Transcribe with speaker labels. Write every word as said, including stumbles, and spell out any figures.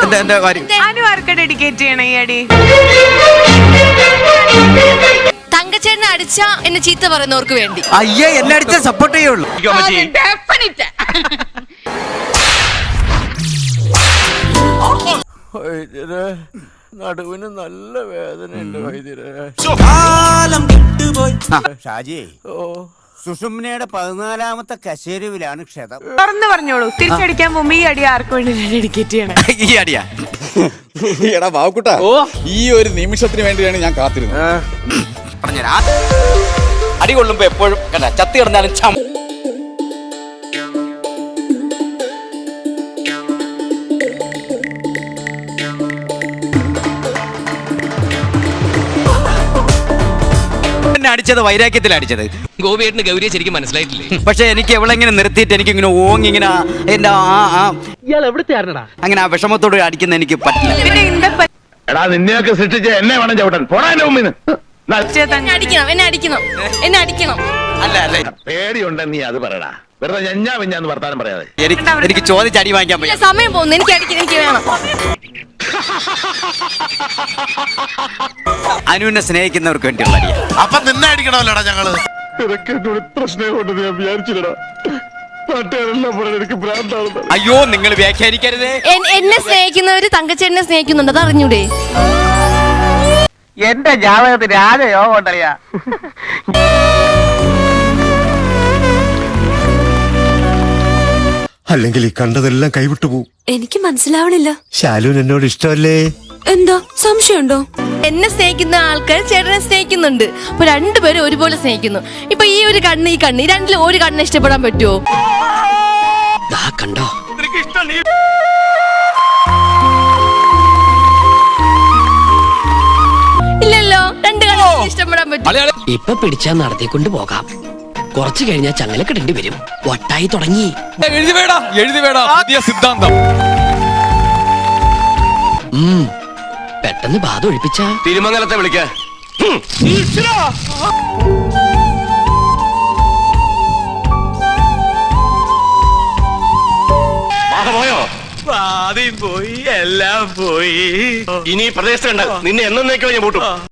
Speaker 1: അനു ആർക്ക് dedicate ചെയ്യണം ഈ അടി?
Speaker 2: തങ്കച്ചേട്ടനെ അടിച്ച എന്നെ ചീത്ത പറയുന്നവർക്ക് വേണ്ടി.
Speaker 3: അയ്യേ, എന്നെ അടിച്ച സപ്പോർട്ട് ചെയ്യുള്ളൂ.
Speaker 4: നടുവിന് നല്ല വേദനയുണ്ട് വൈദ്യരെ.
Speaker 3: ഷാജി, സുഷുമ്നയുടെ പതിനാലാമത്തെ കശേരുവിലാണ് ക്ഷതം.
Speaker 1: തുറന്ന് പറഞ്ഞോളൂ, തിരിച്ചടിക്കാൻ മുമ്പ് ഈ അടി ആർക്ക് വേണ്ടി ഡെഡിക്കേറ്റ് ചെയ്യണം?
Speaker 3: ഈ അടിയാ?
Speaker 5: എടാ ബാവുക്കുട്ടാ, ഈ ഒരു നിമിഷത്തിന് വേണ്ടിയാണ് ഞാൻ കാത്തിരുന്നത്.
Speaker 3: അടി കൊള്ളുമ്പോ എപ്പോഴും കണ്ട ചത്തി കിടന്നാലും ചം. അടിച്ചത് വൈരാഗ്യത്തിൽ അടിച്ചത്.
Speaker 6: ഗോപിയേട്ടന് ഗൗരിയെ ശരിക്കും മനസ്സിലായിട്ടില്ലേ?
Speaker 3: പക്ഷെ എനിക്ക് എവളെങ്ങനെ നിർത്തിയിട്ട് എനിക്ക് ഇങ്ങനെ ഓങ്ങി ഇങ്ങനെ എന്റെ അങ്ങനെ ആ വിഷമത്തോട് അടിക്കുന്ന എനിക്ക് പറ്റില്ല.
Speaker 7: എടാ, നിന്നെയൊക്കെ സൃഷ്ടിച്ച എന്നെ വേണം ചവിട്ടാൻ. പോടാ എന്റെ മുമ്പിന്ന്.
Speaker 2: എന്നെ അടിക്കണം, എന്നെ അടിക്കണം, എന്നെ അടിക്കണം.
Speaker 3: അല്ല അല്ല,
Speaker 7: പേടിയുണ്ടെ നീ അത് പറയടാ. വെറുതെ ഞഞ്ഞാ വിഞ്ഞാന്ന് വർത്താനം പറയാതെ.
Speaker 3: എനിക്ക് എനിക്ക് ചോദിച്ച് അടി വാങ്ങിക്കാൻ പറ്റില്ല.
Speaker 2: സമയം പോകുന്നു, എനിക്ക് അടിക്കണം, എനിക്ക് വേണം.
Speaker 3: അനുവിനെ സ്നേഹിക്കുന്നവർക്ക് വേണ്ടിയുള്ള അടിയാ.
Speaker 8: അപ്പൊ നിന്നെ അടിക്കണമല്ലോടാ ഞങ്ങള്.
Speaker 7: നിനക്ക് എന്നോട് ഇത്ര സ്നേഹം ഉണ്ടെന്ന് ഞാൻ വിചാരിച്ചില്ലടാ. നാട്ടുകാരെല്ലാം പറയാൻ എനിക്ക് ഭ്രാന്താണ്.
Speaker 3: അയ്യോ, നിങ്ങൾ വ്യാഖ്യാനിക്കരുതേ.
Speaker 2: എന്നെ സ്നേഹിക്കുന്നവര് തങ്കച്ചേട്ടനെ സ്നേഹിക്കുന്നുണ്ട്, അത് അറിഞ്ഞൂടെ?
Speaker 9: എന്റെ ജാതകത്തിന് രാജയോഗം ഉണ്ടറിയാ.
Speaker 10: അല്ലെങ്കിൽ ഈ കണ്ടതെല്ലാം കൈവിട്ടു പോവും.
Speaker 2: എനിക്ക് മനസ്സിലാവണില്ല.
Speaker 10: ശാലുവിന് എന്നോട് ഇഷ്ടമല്ലേ?
Speaker 2: എന്താ സംശയമുണ്ടോ? എന്നെ സ്നേഹിക്കുന്ന ആൾക്കാർ ചേട്ടനെ സ്നേഹിക്കുന്നുണ്ട്. അപ്പൊ രണ്ടുപേരും ഒരുപോലെ സ്നേഹിക്കുന്നു. ഇപ്പൊ ഈ ഒരു കണ്ണ്, ഈ കണ്ണ്, ഈ രണ്ടിലും ഒരു കണ്ണ് ഇഷ്ടപ്പെടാൻ പറ്റുമോ?
Speaker 6: കണ്ടോ,
Speaker 2: ഇല്ലല്ലോ, രണ്ട് കണ്ണ് ഇഷ്ടപ്പെടാൻ പറ്റും.
Speaker 6: ഇപ്പൊ പിടിച്ചാ നടത്തിക്കൊണ്ട് പോകാം. കുറച്ചു കഴിഞ്ഞാൽ ചങ്ങല കിടേണ്ടി വരും. വട്ടായി തുടങ്ങി.
Speaker 5: എഴുതി വേടാ, എഴുതി വേടാ പുതിയ സിദ്ധാന്തം.
Speaker 6: പെട്ടെന്ന് ബാധ ഒഴിപ്പിച്ച
Speaker 7: തിരുമംഗലത്തെ വിളിക്ക. പോയോ?
Speaker 4: ആദ്യം പോയി, എല്ലാം പോയി.
Speaker 7: ഇനി പ്രദേശത്തുണ്ട്. നിന്നെ എന്നേക്കോ ഞാൻ പൂട്ടും.